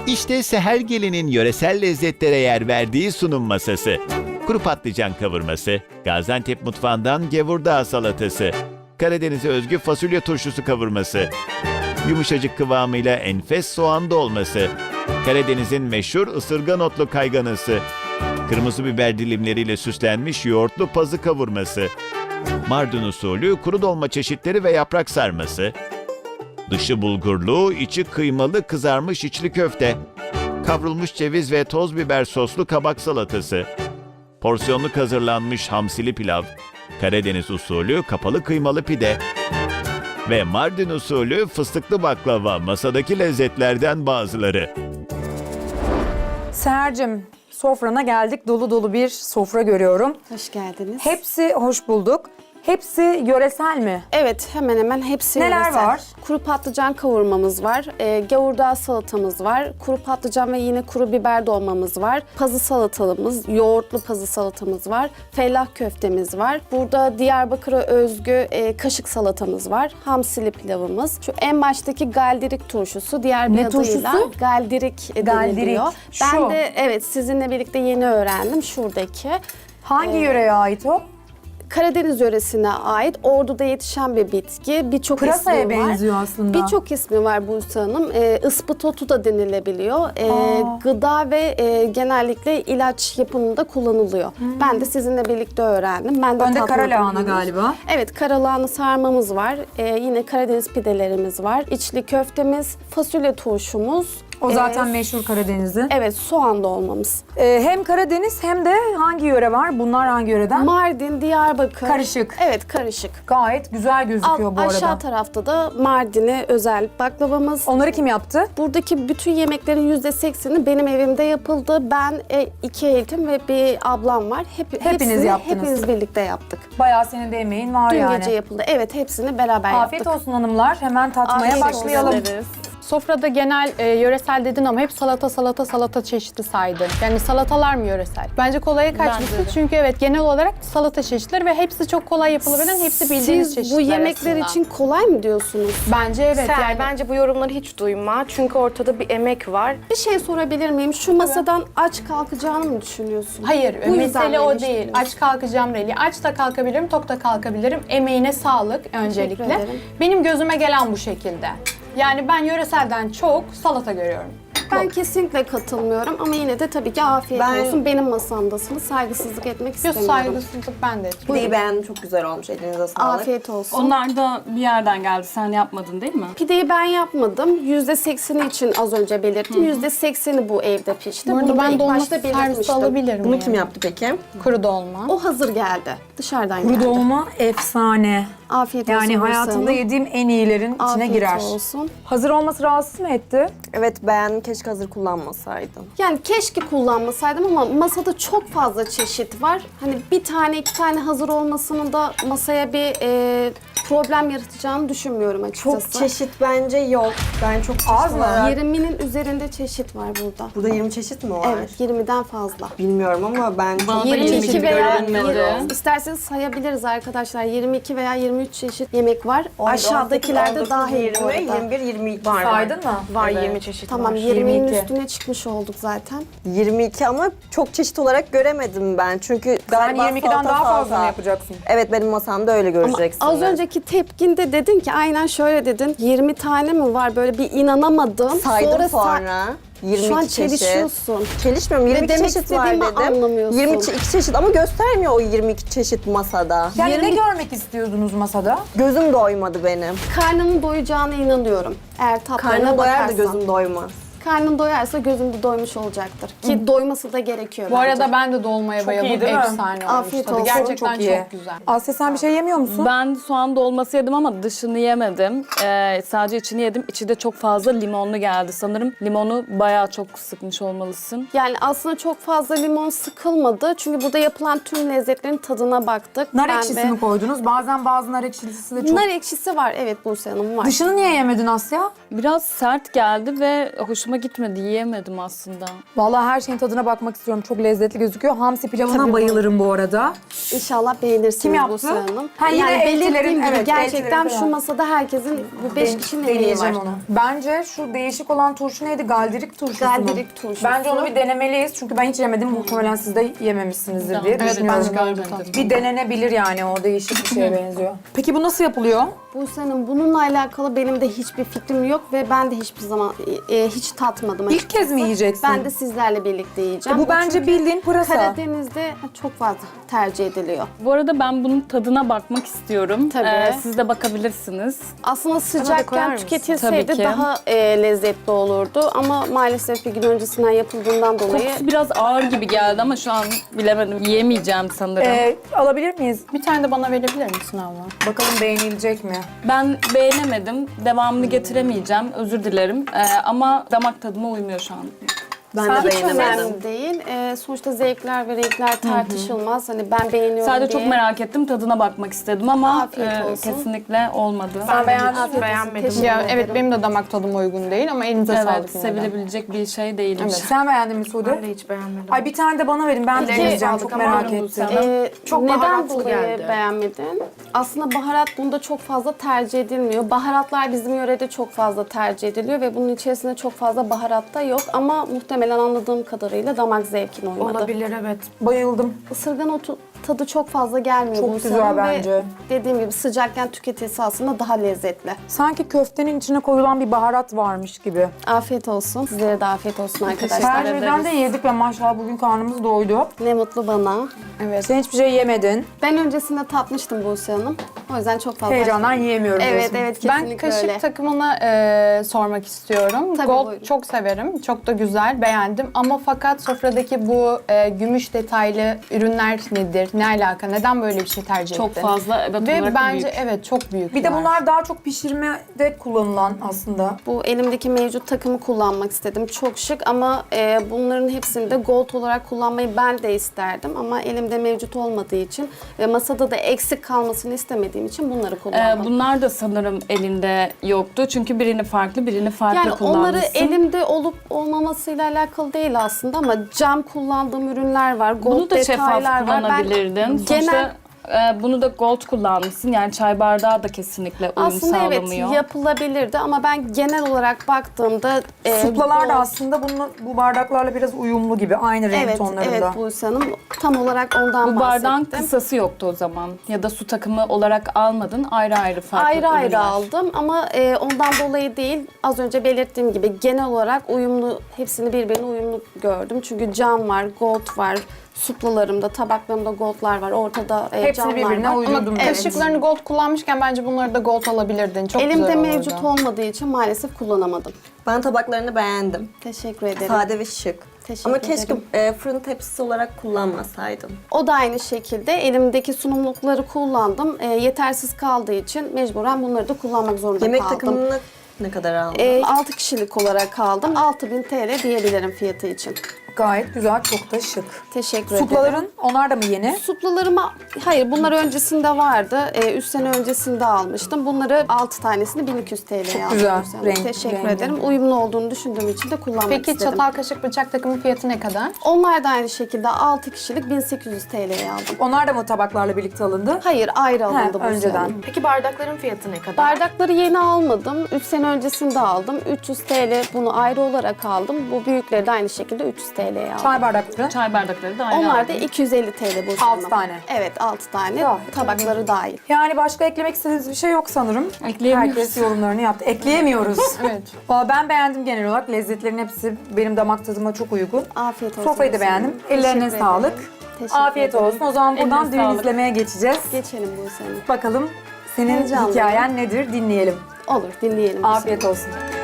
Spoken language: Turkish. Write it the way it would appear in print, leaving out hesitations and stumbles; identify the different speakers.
Speaker 1: İşte Seher Gelin'in yöresel lezzetlere yer verdiği sunum masası. Kuru patlıcan kavurması, Gaziantep mutfağından gevurdağ salatası, Karadeniz'e özgü fasulye turşusu kavurması, yumuşacık kıvamıyla enfes soğan dolması, Karadeniz'in meşhur ısırgan otlu kayganısı, kırmızı biber dilimleriyle süslenmiş yoğurtlu pazı kavurması, Mardin usulü kuru dolma çeşitleri ve yaprak sarması, dışı bulgurlu, içi kıymalı kızarmış içli köfte, kavrulmuş ceviz ve toz biber soslu kabak salatası, porsiyonluk hazırlanmış hamsili pilav, Karadeniz usulü kapalı kıymalı pide ve Mardin usulü fıstıklı baklava masadaki lezzetlerden bazıları.
Speaker 2: Seher'cim, sofrana geldik. Dolu dolu bir sofra görüyorum.
Speaker 3: Hoş geldiniz.
Speaker 2: Hepsi hoş bulduk. Hepsi yöresel mi?
Speaker 3: Evet, hemen hemen hepsi
Speaker 2: Neler
Speaker 3: yöresel.
Speaker 2: var?
Speaker 3: Kuru patlıcan kavurmamız var, gavurdağ salatamız var, kuru patlıcan ve yine kuru biber dolmamız var, pazı salatamız, yoğurtlu pazı salatamız var, fellah köftemiz var. Burada Diyarbakır'a özgü kaşık salatamız var, hamsili pilavımız. Şu en baştaki galdirik turşusu, diğer bir
Speaker 2: Ne
Speaker 3: adıyla
Speaker 2: turşusu?
Speaker 3: galdirik
Speaker 2: Galdirik,
Speaker 3: deniliyor.
Speaker 2: şu.
Speaker 3: Ben de evet sizinle birlikte yeni öğrendim şuradaki.
Speaker 2: Hangi yöreye ait o?
Speaker 3: Karadeniz yöresine ait Ordu'da yetişen bir bitki. Birçok
Speaker 2: Pırasaya
Speaker 3: ismi var.
Speaker 2: benziyor aslında.
Speaker 3: Birçok ismi var Buse Hanım. Ispıtotu da denilebiliyor. Gıda ve genellikle ilaç yapımında kullanılıyor. Ben de sizinle birlikte öğrendim. Ben de
Speaker 2: Önde kara
Speaker 3: tatmadım
Speaker 2: lahana
Speaker 3: henüz.
Speaker 2: galiba.
Speaker 3: Evet, karalahana sarmamız var. Yine Karadeniz pidelerimiz var. İçli köftemiz, fasulye turşumuz.
Speaker 2: O zaten meşhur Karadeniz'in.
Speaker 3: Evet, soğan dolmamız.
Speaker 2: Hem Karadeniz hem de hangi yöre var? Bunlar hangi yöreden?
Speaker 3: Mardin, Diyarbakır.
Speaker 2: Karışık.
Speaker 3: Evet, karışık.
Speaker 2: Gayet güzel gözüküyor bu arada.
Speaker 3: Aşağı tarafta da Mardin'e özel baklavamız.
Speaker 2: Onları kim yaptı?
Speaker 3: Buradaki bütün yemeklerin %80'i benim evimde yapıldı. Ben iki eltim ve bir ablam var. Hepsini
Speaker 2: yaptınız.
Speaker 3: hepimiz birlikte yaptık.
Speaker 2: Bayağı senin de emeğin var
Speaker 3: Dün
Speaker 2: yani.
Speaker 3: gece yapıldı. Evet, hepsini beraber
Speaker 2: Afiyet
Speaker 3: yaptık.
Speaker 2: olsun hanımlar. Hemen tatmaya
Speaker 3: Afiyet olsun.
Speaker 2: başlayalım.
Speaker 4: Sofrada genel yöresel dedin ama hep salata çeşidi saydın. Yani salatalar mı yöresel? Bence kolaya kaçmışsın çünkü evet genel olarak salata çeşitleri ve hepsi çok kolay yapılabilen, hepsi bildiğiniz
Speaker 3: Siz
Speaker 4: çeşitler
Speaker 3: bu yemekler
Speaker 4: aslında.
Speaker 3: için kolay mı diyorsunuz?
Speaker 4: Bence evet
Speaker 5: Seher,
Speaker 4: yani.
Speaker 5: bence bu yorumları hiç duyma. Çünkü ortada bir emek var.
Speaker 3: Bir şey sorabilir miyim? Şu masadan aç kalkacağını mı düşünüyorsun?
Speaker 4: Hayır,
Speaker 3: Bu yüzden
Speaker 4: mesele o
Speaker 3: beni
Speaker 4: değil.
Speaker 3: düşünüyorsun.
Speaker 4: Aç kalkacağım değil. Aç da kalkabilirim, tok da kalkabilirim. Emeğine sağlık öncelikle.
Speaker 3: ederim.
Speaker 4: Benim gözüme gelen bu şekilde. Yani ben yöreselden çok salata görüyorum.
Speaker 3: Ben kesinlikle katılmıyorum ama yine de tabii ki afiyet olsun. Benim masamdasınız. Saygısızlık etmek
Speaker 4: Yok
Speaker 3: istemiyorum.
Speaker 4: saygısızlık ben de etmiyorum.
Speaker 6: Pideyi beğendim, çok güzel olmuş. Elinize sağlık.
Speaker 3: Afiyet olsun.
Speaker 7: Onlar da bir yerden geldi. Sen yapmadın değil mi?
Speaker 3: Pideyi ben yapmadım. %80'i için az önce belirttim. %80'i bu evde pişti.
Speaker 4: Bu
Speaker 3: Bunu
Speaker 4: arada
Speaker 3: da
Speaker 4: ben
Speaker 3: ilk
Speaker 4: dolma
Speaker 3: başta
Speaker 4: servisi
Speaker 3: belirtmiştim.
Speaker 4: alabilirim.
Speaker 6: Bunu
Speaker 4: yani.
Speaker 6: kim yaptı peki?
Speaker 4: Kuru dolma.
Speaker 3: O hazır geldi. Dışarıdan
Speaker 2: Kuru
Speaker 3: geldi.
Speaker 2: dolma efsane.
Speaker 3: Afiyet olsun.
Speaker 2: Yani
Speaker 3: Buse
Speaker 2: hayatımda
Speaker 3: Hanım.
Speaker 2: yediğim en iyilerin içine
Speaker 3: Afiyet
Speaker 2: girer.
Speaker 3: olsun.
Speaker 2: Hazır olması rahatsız mı etti?
Speaker 6: Evet beğendim, keşke hazır kullanmasaydım.
Speaker 3: Yani keşke kullanmasaydım ama masada çok fazla çeşit var. Hani bir tane iki tane hazır olmasının da masaya bir problem yaratacağını düşünmüyorum
Speaker 6: Çok
Speaker 3: açıkçası.
Speaker 6: çeşit bence yok. Ben çok çeşit
Speaker 2: Az mı?
Speaker 6: olarak-
Speaker 3: 20'nin üzerinde çeşit var burada.
Speaker 6: Burada 20 çeşit mi var?
Speaker 3: Evet, 20'den fazla.
Speaker 6: Bilmiyorum ama ben çok
Speaker 7: Bana da
Speaker 3: 22
Speaker 7: 22
Speaker 3: veya
Speaker 7: görünmedi.
Speaker 3: isterseniz sayabiliriz arkadaşlar. 22 veya 23 çeşit yemek var.
Speaker 6: 18,
Speaker 3: Aşağıdakilerde
Speaker 6: 19,
Speaker 3: dahil
Speaker 6: 20,
Speaker 3: bu arada.
Speaker 6: 21, 22 var.
Speaker 2: Saydın mı?
Speaker 5: Var
Speaker 6: Evet.
Speaker 5: 20 çeşit
Speaker 3: Tamam,
Speaker 5: var.
Speaker 3: 20'nin
Speaker 2: 22.
Speaker 3: üstüne çıkmış olduk zaten.
Speaker 6: 22 ama çok çeşit olarak göremedim ben. Çünkü
Speaker 2: Sen
Speaker 6: galiba
Speaker 2: 22'den
Speaker 6: salata
Speaker 2: daha fazla
Speaker 6: salata.
Speaker 2: mı yapacaksın?
Speaker 6: Evet benim masamda öyle
Speaker 3: Ama
Speaker 6: göreceksin.
Speaker 3: az önceki tepkinde dedin ki aynen şöyle dedin. 20 tane mi var? Böyle bir inanamadım.
Speaker 6: saydım
Speaker 3: sa-
Speaker 6: sonra. 22
Speaker 3: Şu an
Speaker 6: çeşit.
Speaker 3: çelişiyorsun.
Speaker 6: Çelişmiyorum. 22
Speaker 3: demek
Speaker 6: çeşit var
Speaker 3: istediğimi
Speaker 6: dedim.
Speaker 3: anlamıyorsun.
Speaker 6: 22 çeşit ama göstermiyor o 22 çeşit masada.
Speaker 2: Yani ne
Speaker 3: 20
Speaker 2: görmek istiyordunuz masada?
Speaker 6: Gözüm doymadı benim.
Speaker 3: Karnının doyacağına inanıyorum. Eğer tatlarına
Speaker 6: Karnım doyar da
Speaker 3: bakarsan.
Speaker 6: gözüm doymaz.
Speaker 3: Karnın doyarsa gözün de doymuş olacaktır. Ki doyması da gerekiyor
Speaker 4: Bu
Speaker 3: bence.
Speaker 4: arada ben de dolmaya bayıldım.
Speaker 2: iyi değil mi?
Speaker 4: Efsane olmuş
Speaker 3: Afiyet
Speaker 4: tadı.
Speaker 3: olsun.
Speaker 4: Gerçekten
Speaker 2: Çok iyi.
Speaker 4: çok güzel.
Speaker 2: Asya sen bir şey yemiyor musun?
Speaker 7: Ben soğan dolması yedim ama dışını yemedim. Sadece içini yedim. İçi de çok fazla limonlu geldi. Sanırım limonu bayağı çok sıkmış olmalısın.
Speaker 3: Yani aslında çok fazla limon sıkılmadı. Çünkü burada yapılan tüm lezzetlerin tadına baktık.
Speaker 2: Nar
Speaker 3: Ben
Speaker 2: ekşisi
Speaker 3: de-
Speaker 2: mi koydunuz? Bazen bazı nar ekşisi de çok...
Speaker 3: Nar ekşisi var, evet Buse Hanım var.
Speaker 2: Dışını niye yemedin Asya?
Speaker 7: Biraz sert geldi ve hoşuma hoşuma gitmedi. Yiyemedim aslında.
Speaker 2: Vallahi her şeyin tadına bakmak istiyorum. Çok lezzetli gözüküyor. Hamsi pilavına bayılırım bu arada.
Speaker 3: İnşallah beğenirsiniz
Speaker 2: Kim yaptı?
Speaker 3: Buse Hanım.
Speaker 2: Ha, yine eltilerin,
Speaker 3: belirttiğim gibi
Speaker 2: evet,
Speaker 3: gerçekten
Speaker 2: eltilerin
Speaker 3: şu masada herkesin bu 5 kişinin emeği var.
Speaker 2: Deneyeceğim onu. Bence şu değişik olan turşu neydi? Galdirik turşusu mu?
Speaker 3: Galdirik turşusu.
Speaker 2: Bence onu bir denemeliyiz. Çünkü ben hiç yemedim. Muhtemelen siz de yememişsinizdir diye
Speaker 7: Evet,
Speaker 2: düşünüyorum.
Speaker 7: ben görmedim.
Speaker 2: Bir denenebilir yani. O değişik bir şeye benziyor. Peki bu nasıl yapılıyor?
Speaker 3: Buse Hanım bununla alakalı benim de hiçbir fikrim yok ve ben de hiçbir zaman hiç tatmadım
Speaker 2: İlk kez mi yiyeceksin?
Speaker 3: Ben de sizlerle birlikte yiyeceğim.
Speaker 2: Bu bence
Speaker 3: çünkü
Speaker 2: bildiğin pırasa.
Speaker 3: Karadeniz'de çok fazla tercih ediliyor.
Speaker 7: Bu arada ben bunun tadına bakmak istiyorum.
Speaker 3: Tabii.
Speaker 7: Siz de bakabilirsiniz.
Speaker 3: Aslında
Speaker 5: koyar
Speaker 3: sıcakken
Speaker 5: mısın?
Speaker 3: tüketilseydi
Speaker 7: Tabii ki.
Speaker 3: daha lezzetli olurdu ama maalesef bir gün öncesinden yapıldığından dolayı
Speaker 7: Kokusu biraz ağır gibi geldi ama şu an bilemedim. Yiyemeyeceğim sanırım.
Speaker 2: Alabilir miyiz?
Speaker 4: Bir tane de bana verebilir misin abla?
Speaker 2: Bakalım beğenilecek mi?
Speaker 7: Ben beğenemedim. Devamını getiremeyeceğim. Özür dilerim. Ama damak tadıma uymuyor şu an.
Speaker 6: Ben de
Speaker 3: hiç
Speaker 6: beğenemedim.
Speaker 3: önemli değil. Sonuçta zevkler ve renkler tartışılmaz. Hani ben beğeniyorum
Speaker 7: Sadece
Speaker 3: diye.
Speaker 7: çok merak ettim. Tadına bakmak istedim ama
Speaker 3: Afiyet olsun.
Speaker 7: kesinlikle olmadı.
Speaker 2: Sen beğendin mi?
Speaker 3: Afiyet olsun.
Speaker 5: beğenmedim.
Speaker 3: Teşekkür
Speaker 4: Ya
Speaker 3: ederim.
Speaker 4: evet benim de damak tadıma uygun değil ama elinize
Speaker 7: Evet,
Speaker 4: sağlık yine de.
Speaker 7: sevilebilecek bir şey değilmiş.
Speaker 2: Sen beğendin mi Sude?
Speaker 5: Ben de hiç beğenmedim.
Speaker 2: Ay bir tane de bana verin. Ben de
Speaker 3: Peki,
Speaker 2: deneyeceğim.
Speaker 5: aldık
Speaker 2: Çok
Speaker 5: ama
Speaker 2: merak
Speaker 5: aldım
Speaker 2: ettim.
Speaker 5: sen. Çok
Speaker 3: neden
Speaker 5: baharatlı
Speaker 3: dolayı
Speaker 5: geldi.
Speaker 3: beğenmedin? Aslında baharat bunda çok fazla tercih edilmiyor. Baharatlar bizim yörede çok fazla tercih ediliyor ve bunun içerisinde çok fazla baharat da yok ama muhtemelen anladığım kadarıyla damak zevkine uymadı.
Speaker 5: Olabilir evet.
Speaker 2: Bayıldım.
Speaker 3: Isırgan otu tadı çok fazla gelmiyor.
Speaker 2: Çok
Speaker 3: Buse
Speaker 2: güzel
Speaker 3: Hanım ve
Speaker 2: bence.
Speaker 3: dediğim gibi sıcakken tüketilse aslında daha lezzetli.
Speaker 2: Sanki köftenin içine koyulan bir baharat varmış gibi.
Speaker 3: Afiyet olsun. Sizlere de afiyet olsun arkadaşlar.
Speaker 2: Her şeyden de yedik ve maşallah bugün karnımız doydu.
Speaker 3: Ne mutlu bana.
Speaker 2: Evet. Sen hiçbir şey yemedin.
Speaker 3: Ben öncesinde tatmıştım Buse Hanım. O yüzden çok fazla...
Speaker 2: Heyecandan yiyemiyorum
Speaker 3: Evet
Speaker 2: diyorsun.
Speaker 3: evet
Speaker 4: Ben
Speaker 3: kesinlikle
Speaker 4: kaşık
Speaker 3: öyle.
Speaker 4: takımına sormak istiyorum.
Speaker 3: Tabii,
Speaker 4: Gold
Speaker 3: buyurun.
Speaker 4: çok severim. Çok da güzel, beğendim. Ama fakat sofradaki bu gümüş detaylı ürünler nedir? Ne alaka? Neden böyle bir şey tercih
Speaker 7: Çok
Speaker 4: ettin?
Speaker 7: fazla evet
Speaker 4: Ve
Speaker 7: olarak
Speaker 4: bence
Speaker 7: büyük.
Speaker 4: evet çok büyük.
Speaker 2: Bir de bunlar daha çok pişirmede kullanılan aslında.
Speaker 3: Bu elimdeki mevcut takımı kullanmak istedim. Çok şık ama bunların hepsini de gold olarak kullanmayı ben de isterdim. Ama elimde mevcut olmadığı için ve masada da eksik kalmasını istemediğim için bunları kullandım.
Speaker 7: Bunlar da sanırım elinde yoktu. Çünkü birini farklı, birini farklı
Speaker 3: Yani onları
Speaker 7: kullanmışsın.
Speaker 3: elimde olup olmamasıyla alakalı değil aslında ama cam kullandığım ürünler var. Gold
Speaker 7: Bunu da şeffaf
Speaker 3: detaylar var. Ben
Speaker 7: kullanabilirdin. Sonuçta
Speaker 3: genel
Speaker 7: bunu da gold kullanmışsın. Yani çay bardağı da kesinlikle uyum
Speaker 3: aslında evet
Speaker 7: sağlamıyor.
Speaker 3: yapılabilirdi ama ben genel olarak baktığımda
Speaker 2: Suplalar da
Speaker 3: gold-
Speaker 2: aslında bu bardaklarla biraz uyumlu gibi. Aynı renk
Speaker 3: Evet,
Speaker 2: tonlarında.
Speaker 3: evet Buse Hanım. Tam olarak ondan
Speaker 7: Bu bardağın
Speaker 3: bahsettim.
Speaker 7: kısası yoktu o zaman. Ya da su takımı olarak almadın. Ayrı ayrı farklı
Speaker 3: Ayrı ayrı
Speaker 7: ürünler.
Speaker 3: aldım ama ondan dolayı değil. Az önce belirttiğim gibi genel olarak uyumlu, hepsini birbirine uyumlu gördüm. Çünkü cam var, gold var. Suplalarımda, tabaklarımda goldlar var. Ortada
Speaker 2: Hepsini
Speaker 3: camlar
Speaker 2: birbirine
Speaker 3: var.
Speaker 2: uydurdum.
Speaker 4: Ama
Speaker 2: Evet.
Speaker 4: kaşıklarını gold kullanmışken bence bunları da gold alabilirdin. Çok
Speaker 3: Elimde
Speaker 4: güzel olurdu.
Speaker 3: mevcut olmadığı için maalesef kullanamadım.
Speaker 6: Ben tabaklarını beğendim.
Speaker 3: Teşekkür ederim.
Speaker 6: Sade ve şık.
Speaker 3: Teşekkür
Speaker 6: Ama keşke
Speaker 3: ederim.
Speaker 6: fırın tepsisi olarak kullanmasaydım.
Speaker 3: O da aynı şekilde elimdeki sunumlukları kullandım. Yetersiz kaldığı için mecburen bunları da kullanmak zorunda
Speaker 6: Yemek
Speaker 3: kaldım.
Speaker 6: takımını ne kadar aldın?
Speaker 3: 6 kişilik olarak aldım. 6000 TL diyebilirim fiyatı için.
Speaker 2: Gayet güzel, çok da şık.
Speaker 3: Teşekkür ederim.
Speaker 2: Suplaların, onlar da mı yeni?
Speaker 3: Suplalarıma, hayır bunlar öncesinde vardı. 3 sene öncesinde almıştım. Bunları 6 tanesini 1200 TL'ye aldım.
Speaker 2: güzel,
Speaker 3: bu sene.
Speaker 2: renk-
Speaker 3: Teşekkür
Speaker 2: rengi.
Speaker 3: ederim. Uyumlu olduğunu düşündüğüm için de kullanmak
Speaker 4: Peki
Speaker 3: istedim.
Speaker 4: çatal kaşık bıçak takımı fiyatı ne kadar?
Speaker 3: Onlar da aynı şekilde 6 kişilik 1800 TL'ye aldım.
Speaker 2: Onlar da mı tabaklarla birlikte alındı?
Speaker 3: Hayır ayrı alındı bu
Speaker 2: önceden.
Speaker 3: sene.
Speaker 5: Peki bardakların fiyatı ne kadar?
Speaker 3: Bardakları yeni almadım. 3 sene öncesinde aldım. 300 TL bunu ayrı olarak aldım. Bu büyükleri de aynı şekilde 300 TL'ye aldım.
Speaker 2: Çay bardakları.
Speaker 7: Çay bardakları da ayrı
Speaker 3: Onlar
Speaker 7: aldım.
Speaker 3: da 250 TL bu
Speaker 2: Altı
Speaker 3: sene.
Speaker 2: tane.
Speaker 3: Evet 6 tane.
Speaker 2: Gayet
Speaker 3: Tabakları dahil.
Speaker 2: Yani başka eklemek istediğiniz bir şey yok sanırım.
Speaker 7: Ekleyemiyoruz.
Speaker 2: Herkes yorumlarını yaptı. Ekleyemiyoruz.
Speaker 4: Evet.
Speaker 2: Valla ben beğendim genel olarak. Lezzetlerin hepsi benim damak tadıma çok uygun.
Speaker 3: Afiyet olsun.
Speaker 2: Sofrayı da beğendim. Ellerine
Speaker 3: Teşekkür
Speaker 2: sağlık.
Speaker 3: ederim. Teşekkür
Speaker 2: Afiyet
Speaker 3: ederim.
Speaker 2: olsun. O zaman buradan
Speaker 7: Eline
Speaker 2: düğün
Speaker 7: sağlık.
Speaker 2: izlemeye geçeceğiz.
Speaker 3: Geçelim bu sene.
Speaker 2: Bakalım senin
Speaker 3: Heyecanlıyım.
Speaker 2: hikayen nedir dinleyelim.
Speaker 3: Olur dinleyelim. bu
Speaker 2: Afiyet
Speaker 3: sene.
Speaker 2: olsun.